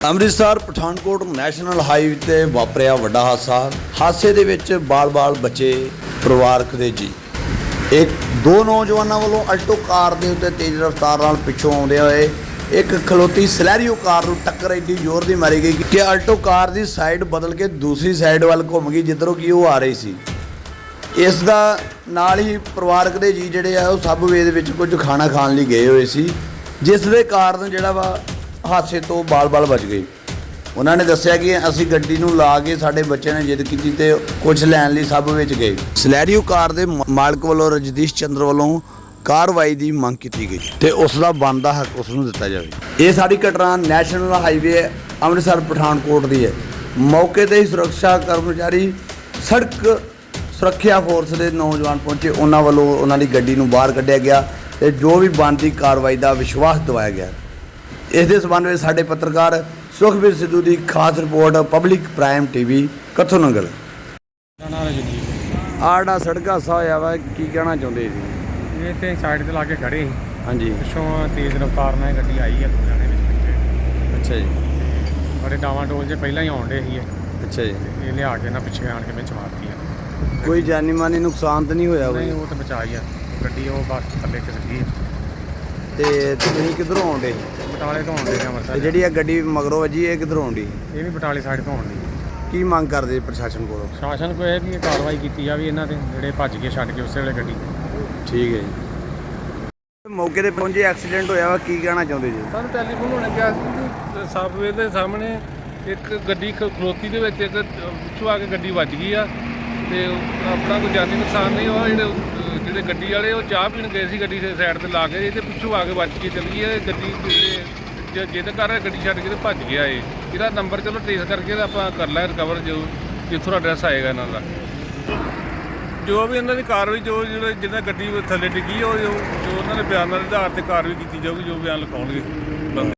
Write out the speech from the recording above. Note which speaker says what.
Speaker 1: Amritsar Pathankot national highway ਤੇ ਵਾਪਰਿਆ ਵੱਡਾ ਹਾਦਸੇ ਦੇ ਵਿੱਚ ਬਾਲ-ਬਾਲ ਬੱਚੇ ਪਰਿਵਾਰਕ ਦੇ ਜੀ। ਇੱਕ ਦੋ ਨੌਜਵਾਨਾਂ ਵੱਲੋਂ ਅਲਟੋ ਕਾਰ ਦੇ ਉੱਤੇ ਤੇਜ਼ ਰਫ਼ਤਾਰ ਨਾਲ ਪਿੱਛੋਂ ਆਉਂਦੇ ਹੋਏ ਇੱਕ ਖਲੋਤੀ ਸਲੈਰੀਓ ਕਾਰ ਨੂੰ ਟੱਕਰ ਐਡੀ ਜ਼ੋਰ ਦੀ ਮਾਰੀ ਗਈ ਕਿ ਅਲਟੋ ਕਾਰ ਦੀ ਸਾਈਡ ਬਦਲ ਕੇ ਦੂਸਰੀ ਸਾਈਡ ਵੱਲ ਘੁੰਮ ਗਈ ਜਿੱਧਰੋਂ ਕਿ ਉਹ ਆ ਰਹੀ ਸੀ। ਇਸ ਦਾ ਨਾਲ ਹੀ ਪਰਿਵਾਰਕ ਦੇ ਜੀ ਜਿਹੜੇ ਆ ਉਹ ਸਬਵੇ ਦੇ ਵਿੱਚ ਕੁਝ ਖਾਣਾ ਖਾਣ ਲਈ ਗਏ ਹੋਏ ਸੀ, ਜਿਸ ਦੇ ਕਾਰਨ ਜਿਹੜਾ ਵਾ ਹਾਦਸੇ ਤੋਂ ਬਾਲ-ਬਾਲ ਬਚ ਗਏ। ਉਹਨਾਂ ਨੇ ਦੱਸਿਆ ਕਿ ਅਸੀਂ ਗੱਡੀ ਨੂੰ ਲਾ ਕੇ ਸਾਡੇ ਬੱਚੇ ਨੇ ਜਿੱਦ ਕੀਤੀ ਤੇ ਕੁਝ ਲੈਣ ਲਈ ਸਬ ਵਿੱਚ ਗਏ। ਸਲੈਰੀਓ ਕਾਰ ਦੇ ਮਾਲਕ ਵੱਲੋਂ ਰਜਦੀਸ਼ ਚੰਦਰ ਵੱਲੋਂ ਕਾਰਵਾਈ ਦੀ ਮੰਗ ਕੀਤੀ ਗਈ ਤੇ ਉਸ ਦਾ ਬਣਦਾ ਹੱਕ ਉਸ ਨੂੰ ਦਿੱਤਾ ਜਾਵੇ। ਇਹ ਸਾਡੀ ਘਟਨਾ ਨੈਸ਼ਨਲ ਹਾਈਵੇ ਅੰਮ੍ਰਿਤਸਰ ਪਠਾਨਕੋਟ ਦੀ ਹੈ। ਮੌਕੇ ਤੇ ਹੀ ਸੁਰੱਖਿਆ ਕਰਮਚਾਰੀ ਸੜਕ ਸੁਰੱਖਿਆ ਫੋਰਸ ਦੇ ਨੌਜਵਾਨ ਪਹੁੰਚੇ, ਉਹਨਾਂ ਵੱਲੋਂ ਉਹਨਾਂ ਦੀ ਗੱਡੀ ਨੂੰ ਬਾਹਰ ਕੱਢਿਆ ਗਿਆ ਤੇ ਜੋ ਵੀ ਬਣਦੀ ਕਾਰਵਾਈ ਦਾ ਵਿਸ਼ਵਾਸ ਦਿਵਾਇਆ ਗਿਆ। ਇਸ ਦੇ ਸੰਬੰਧ ਵਿੱਚ ਸਾਡੇ ਪੱਤਰਕਾਰ ਸੁਖਬੀਰ ਸਿੱਧੂ ਦੀ ਖਾਸ report public prime TV Kathu Nangal. ਆੜਾ ਸੜਕ ਹਾਦਸਾ ਹੋਇਆ ਵਾ, ਕੀ ਕਹਿਣਾ ਚਾਹੁੰਦੇ ਜੀ?
Speaker 2: ਇਹ ਤੇ ਸਾਈਡ ਤੇ ਲਾ ਕੇ ਖੜੇ ਸੀ,
Speaker 1: ਹਾਂਜੀ,
Speaker 2: ਪਿੱਛੋਂ ਤੇਜ਼ ਰਫ਼ਤਾਰ ਨਾਲ ਗੱਡੀ ਆਈ ਹੈ ਲੁਧਿਆਣੇ ਵਿੱਚ।
Speaker 1: ਅੱਛਾ ਜੀ,
Speaker 2: ਬੜੇ ਡਾਵਾਂ ਡੋਲ 'ਚ ਪਹਿਲਾਂ ਹੀ ਆਉਣ ਡੇ ਸੀ
Speaker 1: ਅੱਛਾ ਜੀ।
Speaker 2: ਇਹ ਲਿਆ ਕੇ ਨਾ ਪਿੱਛੇ ਆਣ ਕੇ ਵਿੱਚ ਮਾਰਤੀ ਆ।
Speaker 1: ਕੋਈ ਜਾਨੀ ਮਾਨੀ ਨੁਕਸਾਨ ਤਾਂ ਨਹੀਂ ਹੋਇਆ?
Speaker 2: ਨਹੀਂ, ਉਹ ਤਾਂ ਬਚਾਈ ਆ ਗੱਡੀ, ਉਹ ਬਸ ਥੱਲੇ ਖਿਸਕੀ।
Speaker 1: ਤੇ ਤੁਸੀਂ ਕਿੱਧਰੋਂ ਆਉਂਦੇ?
Speaker 2: ਬਟਾਲੇ ਤੋਂ ਆਉਂਦੇ ਨੇ ਅੰਮ੍ਰਿਤਸਰ।
Speaker 1: ਤੇ ਜਿਹੜੀ ਇਹ ਗੱਡੀ ਮਗਰੋਂ ਵੱਜੀ ਇਹ ਕਿੱਧਰੋਂ ਆਉਂਦੀ?
Speaker 2: ਇਹ ਵੀ ਬਟਾਲੇ ਸਾਈਡ ਤੋਂ ਆਉਂਦੀ।
Speaker 1: ਕੀ ਮੰਗ ਕਰਦੇ ਪ੍ਰਸ਼ਾਸਨ ਕੋਲੋਂ?
Speaker 2: ਸ਼ਾਸਨ ਕੋਈ ਇਹ ਵੀ ਕਾਰਵਾਈ ਕੀਤੀ ਜਾਵੇ ਇਹਨਾਂ ਤੇ, ਜਿਹੜੇ ਭੱਜ ਕੇ ਛੱਡ ਕੇ ਉਸੇ ਵੇਲੇ ਗੱਡੀ।
Speaker 1: ਠੀਕ ਹੈ ਜੀ। ਮੌਕੇ ਤੇ ਪਹੁੰਚੇ, ਐਕਸੀਡੈਂਟ ਹੋਇਆ ਵਾ, ਕੀ ਕਹਿਣਾ ਚਾਹੁੰਦੇ ਜੀ?
Speaker 3: ਸਾਨੂੰ ਟੈਲੀਫੋਨ ਹੋਣਾ ਗਿਆ ਸੀ ਕਿ ਸਬਵੇ ਦੇ ਸਾਹਮਣੇ ਇੱਕ ਗੱਡੀ ਖਲੋਤੀ ਦੇ ਵਿੱਚ ਇੱਕ ਪਿੱਛੋਂ ਆ ਕੇ ਗੱਡੀ ਵੱਜ ਗਈ ਆ ਤੇ ਆਪਣਾ ਕੋਈ ਜਾਨੀ ਨੁਕਸਾਨ ਨਹੀਂ ਹੋਇਆ। ਜਿਹੜੇ ਗੱਡੀ ਵਾਲੇ ਉਹ ਚਾਹ ਪੀਣ ਗਏ ਸੀ, ਗੱਡੀ ਦੇ ਸਾਈਡ ਤੇ ਲਾ ਕੇ ਤੇ ਪਿੱਛੋਂ ਆ ਕੇ ਵੱਜ ਕੇ ਚਲੀ ਗਈ। ਗੱਡੀ ਜਿਹਦੇ ਕਾਰਨ ਗੱਡੀ ਛੱਡ ਕੇ ਤੇ ਭੱਜ ਗਿਆ। ਇਹਦਾ ਨੰਬਰ ਚਲੋ ਟ੍ਰੇਸ ਕਰਕੇ ਤਾਂ ਆਪਾਂ ਕਰ ਲਿਆ ਰਿਕਵਰ, ਜਿੱਥੋਂ ਐਡਰੈਸ ਆਏਗਾ ਇਹਨਾਂ ਦਾ। ਜੋ ਵੀ ਇਹਨਾਂ ਦੀ ਕਾਰਵਾਈ, ਜਿਹਨਾਂ ਗੱਡੀ ਥੱਲੇ ਡਿੱਗੀ, ਉਹ ਜੋ ਉਹਨਾਂ ਦੇ ਬਿਆਨਾਂ ਦੇ ਆਧਾਰ 'ਤੇ ਕਾਰਵਾਈ ਕੀਤੀ ਜਾਊਗੀ, ਜੋ ਬਿਆਨ ਲਿਖਾਉਣਗੇ।